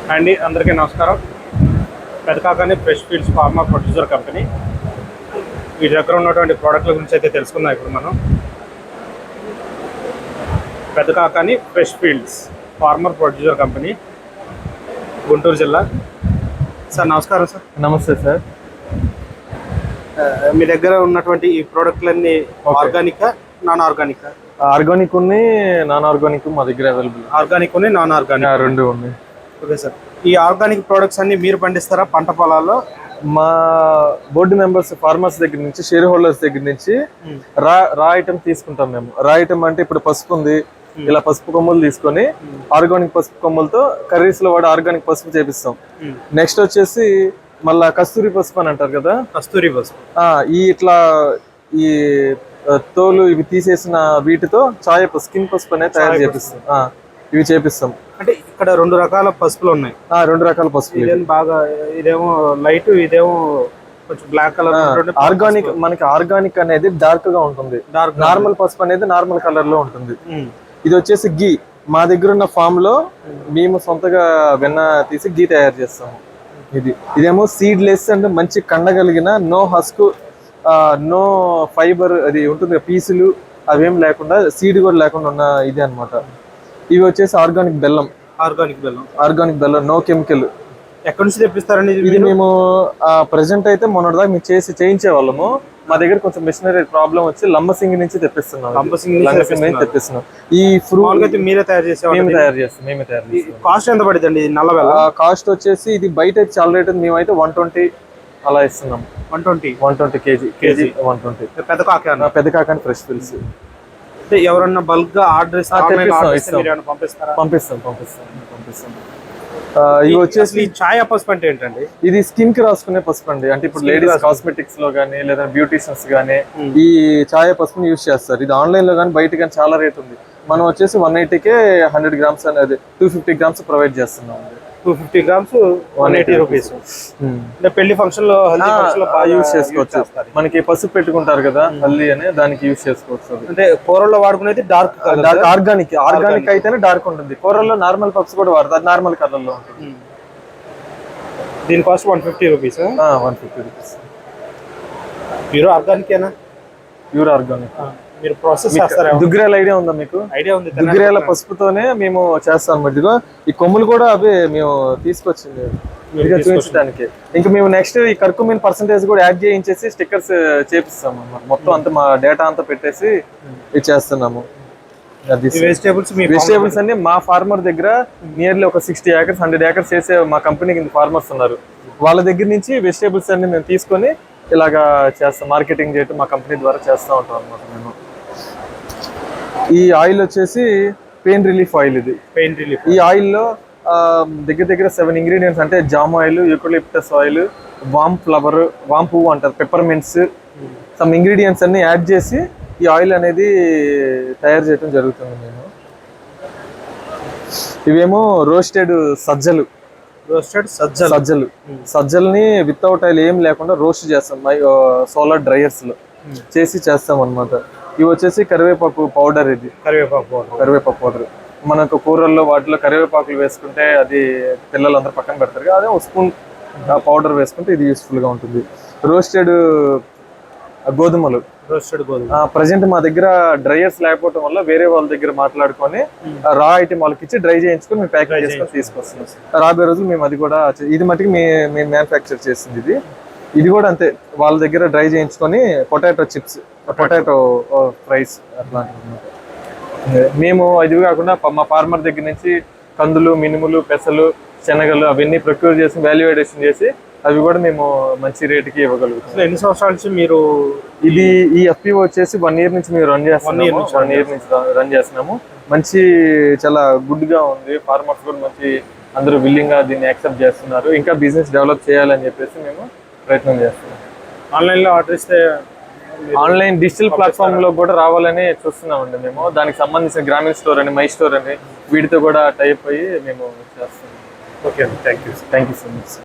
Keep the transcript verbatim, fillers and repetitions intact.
అండి అందరికీ నమస్కారం. Pedakakani fresh fields farmer producer company వీటి దగ్గర ఉన్నటువంటి ప్రోడక్ట్ల గురించి అయితే తెలుసుకుందాం. ఇప్పుడు మనం Pedakakani fresh fields farmer producer company, Guntur జిల్లా. సార్ నమస్కారం. సార్ నమస్తే సార్. మీ దగ్గర ఉన్నటువంటి ఈ ప్రోడక్ట్లన్నీ ఆర్గానిక్, నాన్ ఆర్గానిక్? ఆర్గానిక్ ఉన్నాయి, నాన్ ఆర్గానిక్ మా దగ్గర అవైలబుల్. ఆర్గానిక్ ఉన్నాయి, నాన్ ఆర్గానిక్ రెండు ఉన్నాయి. Okay sir. ఈ ఆర్గానిక్ ప్రోడక్ట్స్ అన్ని మీరు పండిస్తారా పంట పొలాల్లో? మా బోర్డు మెంబర్స్ ఫార్మర్స్ దగ్గర నుంచి, షేర్ హోల్డర్స్ దగ్గర నుంచి రా రా ఐటమ్ తీసుకుంటాం మేము. రా ఐటమ్ అంటే ఇప్పుడు పసుపు ఉంది, ఇలా పసుపు కొమ్ములు తీసుకొని ఆర్గానిక్ పసుపు కొమ్ములతో కర్రీస్ లో వాడు ఆర్గానిక్ పసుపు చేపిస్తాం. నెక్స్ట్ వచ్చేసి మళ్ళా కస్తూరి పసుపు అని అంటారు కదా, కస్తూరి పసుపు. ఈ ఇట్లా ఈ తోలు ఇవి తీసేసిన వీటితో చాయ పసుపు, స్కిన్ పసుపు అనేది తయారు చేపిస్తాం. ఇవి చేపిస్తాం. అంటే ఇక్కడ రెండు రకాల పసుపులు ఉన్నాయి. రెండు రకాల పసుపు. ఇదేమో బాగా, ఇదేమో లైట్, ఇదేమో కొంచెం బ్లాక్ కలర్. ఆర్గానిక్ మనకి ఆర్గానిక్ అనేది డార్క్ గా ఉంటుంది, నార్మల్ పసుపు అనేది నార్మల్ కలర్ లో ఉంటుంది. ఇది వచ్చేసి గీ. మా దగ్గర ఉన్న ఫామ్ లో మేము సొంతగా వెన్న తీసి గీ తయారు చేస్తాము. ఇది ఇదేమో సీడ్ లెస్ అండ్ మంచి కండగలిగిన, నో హస్క్, నో ఫైబర్ అది ఉంటుంది, పీసులు అవేం లేకుండా, సీడ్ కూడా లేకుండా ఉన్న ఇది అనమాట. ఇవి వచ్చేసి ఆర్గానిక్ బెల్లం. ఆర్గానిక్ బెల్లం ఆర్గానిక్ బెల్లం, నో కెమికల్. ఎక్కడి నుంచి తెప్పిస్తారండి ఇది? మేము ప్రెసెంట్ అయితే మొన్నటి దాకా మేము చేసి చేయించే వాళ్ళము. మా దగ్గర కొంచెం మిషనరీ ప్రాబ్లం వచ్చి లంబసింగి నుంచి తెప్పిస్తున్నాం. లంబసింగి తెప్పిస్తున్నాం. ఈ ఫ్రూట్ మీరే తయారు చేసే? మేము తయారు చేస్తాం. మేమే తయారు చేస్తాం. కాస్ట్ ఎంత పడుతుంది నల్ల బెల్లం? కాస్ట్ వచ్చేసి ఇది బయట అయితే చాలా రేట్ ఉంది, మేమైతే వన్ ట్వంటీ అలా ఇస్తున్నాం. One twenty one twenty KG KG one twenty. పెద్ద కాక పెద్ద కాకాని ఫ్రెష్ ఫీల్డ్స్. ఎవరన్నా బల్క్ గా ఆర్డర్ పంపిస్తాం పంపిస్తాం పంపిస్తాం పంపిస్తాం. ఇవి వచ్చేసి ఛాయ పసుపు అంటే ఏంటండి? ఇది స్కిన్ కి రాసుకునే పసుపు అండి. అంటే ఇప్పుడు లేడీస్ కాస్మెటిక్స్ లో గానీ లేదా బ్యూటీషియన్స్ గానీ ఈ ఛాయ పసుపుని యూజ్ చేస్తారు. ఇది ఆన్లైన్ లో కానీ బయట కానీ చాలా రేట్ ఉంది. మనం వచ్చేసి వన్ ఎయిటీకే హండ్రెడ్ గ్రామ్స్ అనేది టూ ఫిఫ్టీ గ్రామ్స్ ప్రొవైడ్ చేస్తున్నాం. Two fifty grams one eighty rupees. పెళ్లి ఫంక్షన్ లో యూజ్ చేసుకోవచ్చు. మనకి పసుపు పెట్టుకుంటారు కదా హల్దీ అని, దానికి యూజ్ చేసుకోవచ్చు. అంటే కూరల్లో వాడుకునేది డార్క్ డార్క్ ఆర్గానిక్. ఆర్గానిక్ అయితేనే డార్క్ ఉంటుంది. కూరల్లో నార్మల్ పసుపు కూడా వాడతారు, నార్మల్ కలర్ లో ఉంటుంది. దీని cost one fifty rupees. One fifty rupees. Pure ఆర్గానికేనా? Pure organic. మీరు ప్రాసెస్ చేస్తారా? దుగ్గిరాల ఐడియా ఉందా మీకు? ఐడియా ఉంది. దుగ్గిరాల పసుపుతోనే మేము చేస్తాం. ఇదిగో ఈ కొమ్ములు కూడా అవే మేము తీసుకొచ్చింది చూపించడానికి. ఇంకా మేము నెక్స్ట్ ఈ కర్కుమిన్ పర్సెంటేజ్ కూడా యాడ్ చేయించేసి స్టిక్కర్స్ చేపిస్తాం అన్నమాట. మొత్తం అంతా మా డేటా అంతా పెట్టేసి ఇది చేస్తున్నాము. వెజిటేబుల్స్ వెజిటేబుల్స్ అన్ని మా ఫార్మర్ దగ్గర నియర్లీ ఒక సిక్స్టీ ఏకర్స్ హండ్రెడ్ ఏకర్స్ చేసే మా కంపెనీకి ఫార్మర్స్ ఉన్నారు. వాళ్ళ దగ్గర నుంచి వెజిటేబుల్స్ అన్ని మేము తీసుకొని ఇలాగా చేస్తాం. మార్కెటింగ్ చేయటం మా కంపెనీ ద్వారా చేస్తూ ఉంటాం అనమాట. మేము ఈ ఆయిల్ వచ్చేసి పెయిన్ రిలీఫ్ ఆయిల్. ఇది పెయిన్ రిలీఫ్. ఈ ఆయిల్లో దగ్గర దగ్గర సెవెన్ ఇంగ్రీడియంట్స్ అంటే జామ్ ఆయిల్, యూకలిప్టస్ ఆయిల్, వామ్ ఫ్లవర్, వామ్ పువ్వు అంటారు, పెప్పర్మెంట్స్, సమ్ ఇంగ్రీడియంట్స్ అన్ని యాడ్ చేసి ఈ ఆయిల్ అనేది తయారు చేయడం జరుగుతుంది. మేము ఇవేమో రోస్టెడ్ సజ్జలు. రోస్టెడ్ సజ్జలు సజ్జలు సజ్జల్ని వితౌట్ ఆయిల్ ఏం లేకుండా రోస్ట్ చేస్తాం సోలార్ డ్రైయర్స్ లో చేసి చేస్తాం అనమాట. ఇవి వచ్చేసి కరివేపాకు పౌడర్. ఇది కరివేపాకు పౌడర్. కరివేపాకు పౌడర్ మనకు కూరల్లో వాటిలో కరివేపాకులు వేసుకుంటే అది పిల్లలందరూ పక్కన పెడతారు కదా, అదే ఒక స్పూన్ పౌడర్ వేసుకుంటే ఇది యూస్ఫుల్ గా ఉంటుంది. రోస్టెడ్ గోధుమలు. రోస్టెడ్ గోధుమ. ప్రజెంట్ మా దగ్గర డ్రైయర్స్ లేకపోవడం వల్ల వేరే వాళ్ళ దగ్గర మాట్లాడుకొని రా ఐటమ్ వాళ్ళకి ఇచ్చి డ్రై చేయించుకొని మేము ప్యాకింగ్ చేసుకొని తీసుకొస్తున్నాం. రాబోయే రోజులు మేము అది కూడా, ఇది మటుకు మేము మ్యానుఫ్యాక్చర్ చేసింది. ఇది ఇది కూడా అంతే, వాళ్ళ దగ్గర డ్రై చేయించుకొని పొటాటో చిప్స్, పొటాటో ఫ్రైస్ అట్లాంటివి మేము. ఇది కాకుండా మా ఫార్మర్ దగ్గర నుంచి కందులు, మినుములు, పెసలు, శనగలు అవన్నీ ప్రొక్యూర్ చేసి వాల్యుయేషన్ చేసి అవి కూడా మేము మంచి రేటుకి ఇవ్వగలుగుతాం. ఎన్ని సంవత్సరాల నుంచి మీరు ఇది ఈ ఎఫ్పిఓ వచ్చేసి వన్ ఇయర్ నుంచి మేము రన్ చేస్తున్నాము. వన్ ఇయర్ నుంచి రన్ చేస్తున్నాము. మంచి చాలా గుడ్ గా ఉంది. ఫార్మర్స్ కూడా మంచి అందరూ విల్లింగ్ గా దీన్ని యాక్సెప్ట్ చేస్తున్నారు. ఇంకా బిజినెస్ డెవలప్ చేయాలని చెప్పేసి మేము ప్రయత్నం చేస్తున్నాం. ఆన్లైన్ లో ఆర్డర్ ఇస్తే ఆన్లైన్ డిజిటల్ ప్లాట్ఫామ్ లో కూడా రావాలని చూస్తున్నామండి మేము. దానికి సంబంధించిన గ్రామీణ స్టోర్ అని, మై స్టోర్ అని వీటితో కూడా టైప్ అయ్యి మేము చేస్తున్నాం. Okay, thank you thank you so much.